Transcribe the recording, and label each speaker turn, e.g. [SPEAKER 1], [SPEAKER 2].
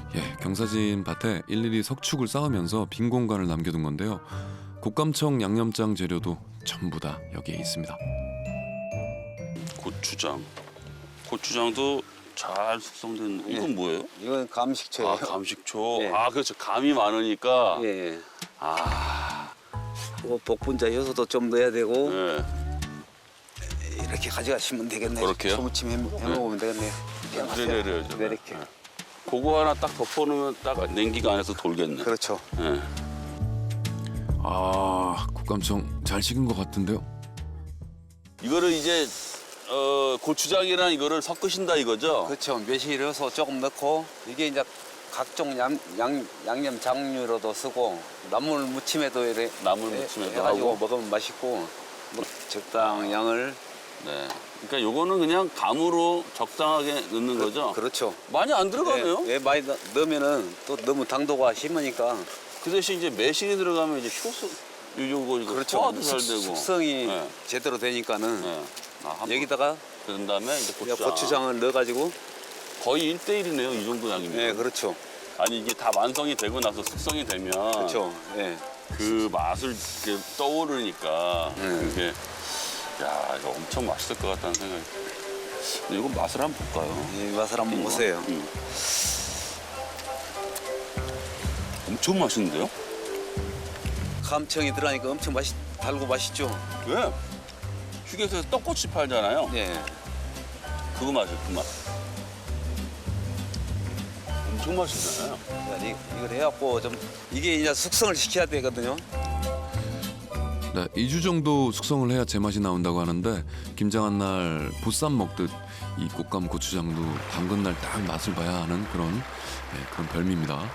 [SPEAKER 1] 경사진 밭에 일일이 석축을 쌓으면서 빈 공간을 남겨둔 건데요. 곶감청 양념장 재료도 전부 다 여기에 있습니다.
[SPEAKER 2] 고추장. 고추장도 잘 숙성된. 이건 뭐예요?
[SPEAKER 3] 이건 감식초예요.
[SPEAKER 2] 아, 감식초.
[SPEAKER 3] 예.
[SPEAKER 2] 아, 그렇죠. 감이 많으니까.
[SPEAKER 3] 예.
[SPEAKER 2] 아,
[SPEAKER 3] 뭐 복분자 효소도 좀 넣어야 되고
[SPEAKER 2] 네.
[SPEAKER 3] 이렇게 가져가시면 되겠네요.
[SPEAKER 2] 그렇게요?
[SPEAKER 3] 초무침 해 먹으면 되겠네요.
[SPEAKER 2] 네네네.
[SPEAKER 3] 네, 이렇게.
[SPEAKER 2] 그거 하나 딱 덮어놓으면 딱 냉기가 안에서 돌겠네.
[SPEAKER 3] 그렇죠.
[SPEAKER 2] 네.
[SPEAKER 1] 아, 곶감청 잘 식은 것 같은데요.
[SPEAKER 2] 이거를 이제 고추장이랑 이거를 섞으신다 이거죠?
[SPEAKER 3] 그렇죠. 매실 효소 조금 넣고 이게 이제 각종 양념 장류로도 쓰고 나물 무침에도 이래
[SPEAKER 2] 나물 무침에도
[SPEAKER 3] 해가지고
[SPEAKER 2] 하고.
[SPEAKER 3] 먹으면 맛있고 뭐 적당 양을
[SPEAKER 2] 네. 그러니까 요거는 그냥 감으로 적당하게 넣는 거죠?
[SPEAKER 3] 그렇죠.
[SPEAKER 2] 많이 안 들어가네요.
[SPEAKER 3] 예, 많이 넣으면은 또 너무 당도가 심으니까
[SPEAKER 2] 그 대신 이제 매실이 들어가면 이제 효소 요거 이거
[SPEAKER 3] 그렇죠.
[SPEAKER 2] 소화도 잘 되고.
[SPEAKER 3] 숙성이
[SPEAKER 2] 네.
[SPEAKER 3] 제대로 되니까는
[SPEAKER 2] 네. 아, 한번
[SPEAKER 3] 여기다가
[SPEAKER 2] 그런 다음에 이제
[SPEAKER 3] 고추장을 넣어가지고
[SPEAKER 2] 거의 1대1이네요. 이 정도 양이면.
[SPEAKER 3] 네, 그렇죠.
[SPEAKER 2] 아니 이게 다 완성이 되고 나서 숙성이 되면
[SPEAKER 3] 그렇죠. 예.
[SPEAKER 2] 그 맛을 이렇게 떠오르니까 그게 야 이거 엄청 맛있을 것 같다는 생각이. 근데 이거 맛을 한번 볼까요?
[SPEAKER 3] 이 맛을 한번 보세요.
[SPEAKER 2] 엄청 맛있는데요?
[SPEAKER 3] 감청이 들어가니까 엄청 달고 맛있죠.
[SPEAKER 2] 왜? 휴게소에서 떡꼬치 팔잖아요.
[SPEAKER 3] 예.
[SPEAKER 2] 그거 맛이에요, 그 맛. 엄청 맛있잖아요.
[SPEAKER 3] 이걸 해갖고 좀 이게 이제 숙성을 시켜야 되거든요.
[SPEAKER 1] 네, 2주 정도 숙성을 해야 제맛이 나온다고 하는데 김장한 날 보쌈 먹듯 이 곶감 고추장도 담근 날 딱 맛을 봐야 하는 그런 별미입니다.